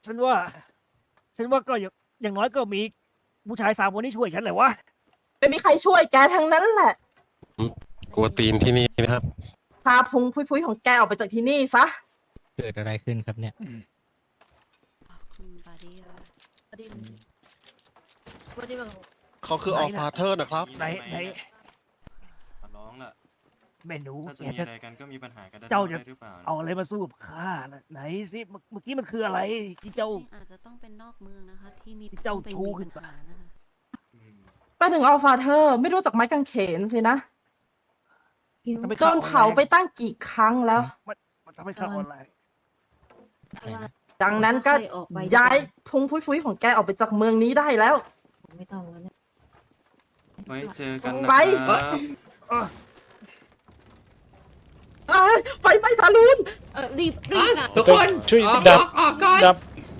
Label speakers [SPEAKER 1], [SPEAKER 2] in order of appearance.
[SPEAKER 1] ฉันว่าก็อย่างน้อยก็มีผู้ชาย3 คนที่ช่วยฉันแหละวะ
[SPEAKER 2] ไม่มีใครช่วยแกทั้งนั้นแหละ
[SPEAKER 3] กลัวตีนที่นี่นะครับ
[SPEAKER 2] พาพุงพุยๆของแกออกไปจากที่นี่ซะ
[SPEAKER 4] เกิดอะไรขึ้นครับเนี่ย
[SPEAKER 5] คุณบาดี้ค่ะ
[SPEAKER 6] บอดี้บอดี้แบบ
[SPEAKER 7] เขาคือ
[SPEAKER 1] ไหน
[SPEAKER 7] ออ
[SPEAKER 1] น่ะ
[SPEAKER 7] ฟาเธอร์นะครับ
[SPEAKER 1] ไหน
[SPEAKER 8] ขอร้องล่ะ
[SPEAKER 1] แม่หนู
[SPEAKER 8] ถ้าจะ
[SPEAKER 1] แก
[SPEAKER 8] มี
[SPEAKER 1] จะ
[SPEAKER 8] อะไรกันก็มีปัญหากันได้
[SPEAKER 1] เจ้าจะ
[SPEAKER 8] ได้หรือเปล่า
[SPEAKER 1] เอาอะไรมาสู้กับข้าน่ะไหนสิเมื่อกี้มันคืออะไรที่เจ้า
[SPEAKER 5] จริงๆอาจจะต้องเป็นนอกเมืองนะคะ ที่มี
[SPEAKER 1] เจ้า
[SPEAKER 5] ต้องไป
[SPEAKER 1] ทู
[SPEAKER 5] มี
[SPEAKER 1] ขึ้น
[SPEAKER 5] ปัญ
[SPEAKER 1] มา
[SPEAKER 5] หานะคะ
[SPEAKER 8] อืม
[SPEAKER 2] ป้าหนึ่งอัลฟาเธอร์ไม่รู้จักไม้กางเขนสินะ
[SPEAKER 1] ทำไม
[SPEAKER 2] โดนเผาไปตั้งกี่ครั้งแล้ว
[SPEAKER 1] มันทำให้ข้าออนไลน์
[SPEAKER 2] ดังนั้นก็
[SPEAKER 6] ออกไป
[SPEAKER 2] ย้ายพุงพุยๆของแกออกไปจากเมืองนี้ได้แล้ว
[SPEAKER 6] ไม่ต้องแล้วเนี่ย
[SPEAKER 8] ไว้เจอกันนะ
[SPEAKER 2] ไป
[SPEAKER 8] ครับ
[SPEAKER 2] ไฟไหม้ซาลูน
[SPEAKER 6] รีบนะ
[SPEAKER 9] ทุกคน
[SPEAKER 4] ช่วย
[SPEAKER 9] ออก
[SPEAKER 4] ดับ
[SPEAKER 9] ออกก่อน
[SPEAKER 4] ดับ